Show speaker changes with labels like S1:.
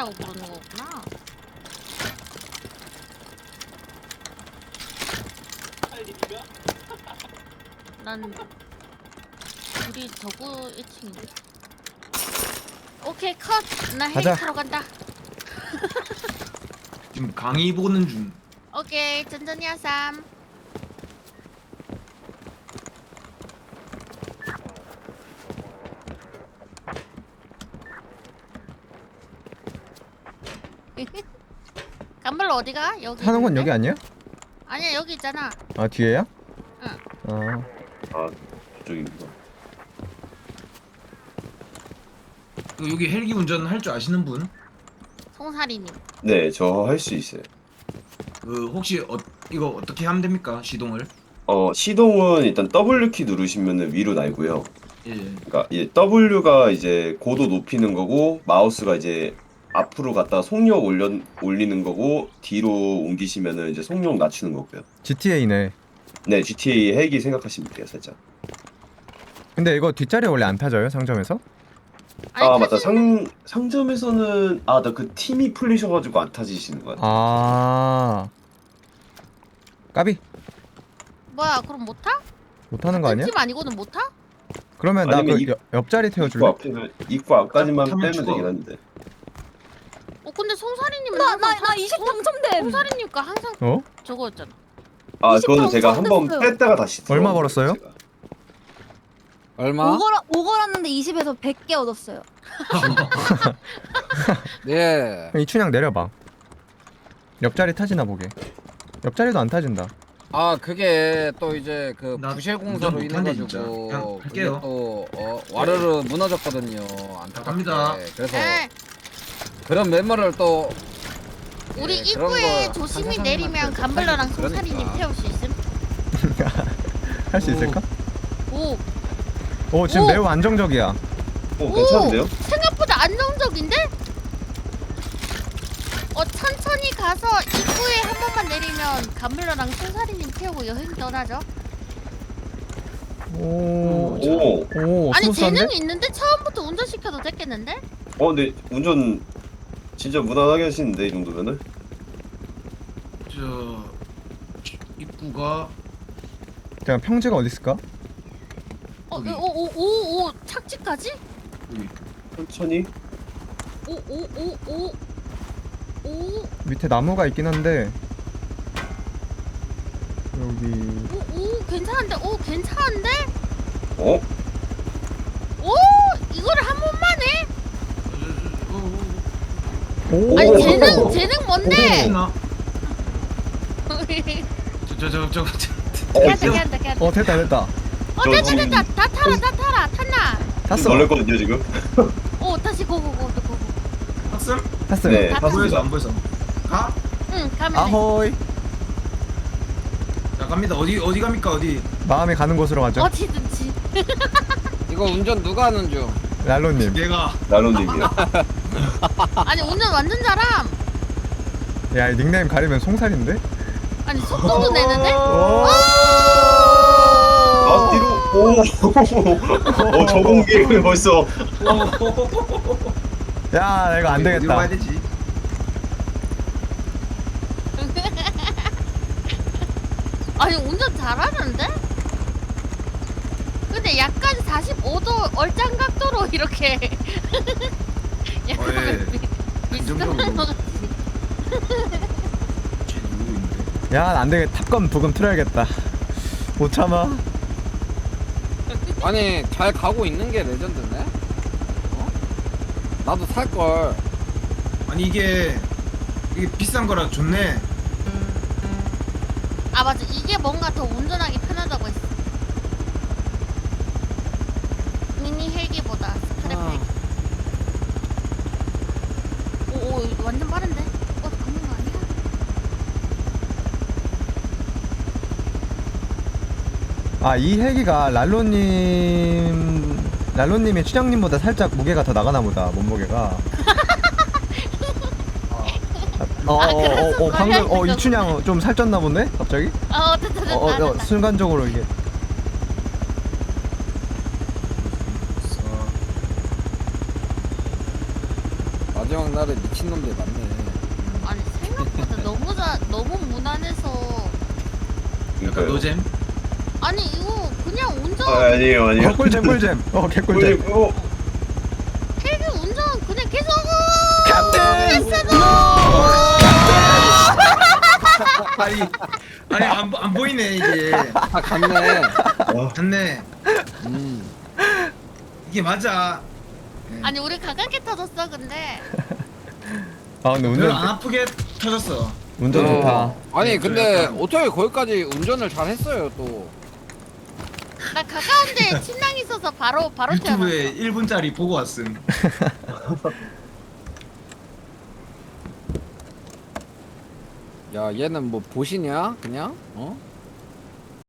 S1: 헬기라고 부르는 거구나. 난 우리 저거 1층인데. 오케이 컷. 나 헬기
S2: 가자.
S1: 타러 간다.
S3: 지금 강의 보는 중.
S1: 오케이 천천히 하삼. 간발로 어디가? 여기
S2: 타는 건
S1: 있는데?
S2: 여기 아니야?
S1: 아니야 여기 있잖아.
S2: 아 뒤에야?
S1: 응.
S2: 아
S4: 저쪽입니다.
S3: 여기 헬기 운전 할 줄 아시는 분?
S1: 송사리님.
S4: 네, 저 할 수 있어요.
S3: 그 혹시 이거 어떻게 하면 됩니까? 시동을?
S4: 시동은 일단 W키 누르시면 위로 날고요.
S3: 예.
S4: 그러니까 이 W가 이제 고도 높이는 거고 마우스가 이제 앞으로 갔다가 속력 올리는 거고 뒤로 옮기시면은 이제 속력 낮추는 거고요.
S2: GTA네.
S4: 네, GTA 헬기 생각하시면 돼요, 살짝.
S2: 근데 이거 뒷자리 원래 안 펴져요 상점에서?
S4: 아, 맞다. 상점에서는 나 그 팀이 풀리셔가지고 안 타지시는 거 같아요.
S2: 아 까비
S1: 뭐야 그럼 못 타?
S2: 못하는 거 아니야?
S1: 팀 아니고는 못 타?
S2: 그러면 나
S4: 아니면
S2: 그 옆자리
S4: 입구
S2: 태워줄래?
S4: 앞에는 입구 앞까지만
S3: 타면
S4: 빼면
S3: 죽어.
S4: 되긴 한데.
S1: 근데 송사리님은
S5: 나 20 당첨됨.
S1: 송사리님과 항상
S2: 어?
S1: 저거였잖아.
S4: 그거는
S5: 20
S4: 제가 한번
S5: 당첨됐어요.
S4: 뺐다가 다시
S2: 얼마
S4: 들어간
S2: 벌었어요?
S4: 거예요, 제가.
S6: 얼마?
S5: 5 걸었는데 20에서 100개 얻었어요.
S6: 예.
S2: 이춘향 내려봐. 옆자리 타지나 보게. 옆자리도 안 타진다.
S6: 아 그게 또 이제 그
S3: 나
S6: 부실
S3: 운전
S6: 공사로 인해
S3: 못하네, 진짜.
S6: 가지고
S3: 그냥
S6: 그게
S3: 할게요.
S6: 또 와르르 무너졌거든요. 안타깝게.
S3: 갑니다.
S6: 그래서
S1: 에
S6: 그런 메모를 또
S1: 우리
S6: 예, 그런
S1: 입구에
S6: 거
S1: 조심히
S6: 상상하면
S1: 내리면
S6: 안 돼.
S1: 간블러랑
S6: 그러니까.
S1: 송사리님 태울 수 있음.
S2: 할 수
S3: 오.
S2: 있을까?
S1: 오
S2: 오 지금
S1: 오!
S2: 매우 안정적이야.
S4: 괜찮은데요?
S1: 생각보다 안정적인데? 천천히 가서 입구에 한 번만 내리면 간블러랑 송사리님 태우고 여행 떠나죠.
S2: 오.
S4: 오.
S1: 아니
S2: 스무스한데?
S1: 재능이 있는데 처음부터 운전시켜도 됐겠는데?
S4: 근데 운전 진짜 무난하게 하시는데 이 정도면은?
S3: 저 입구가
S2: 그냥 평지가 어디 있을까?
S3: 여기.
S1: 오오오오 착지까지?
S3: 여기.
S4: 천천히.
S1: 오오오오
S2: 밑에 나무가 있긴 한데 여기
S1: 오 괜찮은데? 오 괜찮은데?
S4: 어?
S1: 오 이거를 한 번만 해?
S2: 오.
S1: 아니 재능 뭔데?
S3: 됐나? 저거
S1: 괜찮다
S2: 어 됐다 됐다.
S1: 됐다 다 타라 탔나?
S2: 탔어.
S4: 놀랬거든요 지금.
S1: 오 다시 고고고
S3: 탑승?
S2: 탔어.
S4: 네.
S1: 다
S3: 보여서 안 보여서. 가?
S1: 응 가면 돼.
S2: 아호이.
S3: 자 갑니다. 어디 갑니까 어디?
S2: 마음이 가는 곳으로 가죠.
S1: 어디든지.
S6: 이거 운전 누가 하는 중?
S2: 랄로님.
S3: 얘가
S4: 나로님이요.
S1: 아니 운전 완전 잘함.
S2: 야, 이 닉네임 가리면 송살인데?
S1: 아니 속도도 내는데?
S4: 아 뒤로. 오. 저공기를 벌써.
S2: 야, 이거 안
S3: 어디로
S2: 되겠다.
S3: 가야 되지?
S1: 아니 운전 잘하는데? 근데 약간 45도 얼짱 각도로 이렇게 약간
S3: 예.
S1: 비슷한
S3: 안정적으로.
S1: 거 같아.
S3: 쟤 누구 있는데?
S2: 야, 안 되겠다. 탑건 부금 틀어야겠다. 못 참아.
S6: 아니 잘 가고 있는 게 레전드네. 나도 살 걸.
S3: 아니 이게 비싼 거라 좋네.
S1: 아 맞아 이게 뭔가 더 운전하기 편하다고 했어. 미니 헬기보다 스크랩 헬기. 오 이거 완전 빠른데? 가는 거 아니야?
S2: 아, 이 헬기가 랄로님이 추장님보다 살짝 무게가 더 나가나 보다, 몸무게가.
S1: 그래서
S2: 방금,
S1: 걸려있는
S2: 이춘향 좀 살쪘나 보네? 갑자기?
S1: 됐다.
S2: 순간적으로 이게.
S6: 마지막 날에 미친놈들 많네.
S1: 아니 생각보다 너무 무난해서.
S3: 약간
S4: 그러니까요.
S3: 노잼?
S1: 아니 이거 그냥 운전
S4: 아니에요 아니에요.
S2: 꿀잼 꿀잼. 개꿀잼.
S1: 헬기 운전 그냥 계속
S2: 캡틴!
S3: 아니 안 보이네 이게.
S6: 아 갔네.
S3: 맞네.
S6: 음.
S3: 이게 맞아. 네.
S1: 아니 우리 가깝게 터졌어 근데.
S2: 아 근데
S3: 별로 안
S2: 운전
S3: 아프게 터졌어.
S2: 운전 좋다.
S6: 아니
S3: 네,
S6: 근데
S3: 약간-
S6: 어떻게 거기까지 운전을 잘 했어요 또.
S1: 나 가까운데 침낭 있어서 바로 태어났어.
S3: 유튜브에 1분짜리 보고 왔음.
S6: 야 얘는 뭐 보시냐 그냥? 어?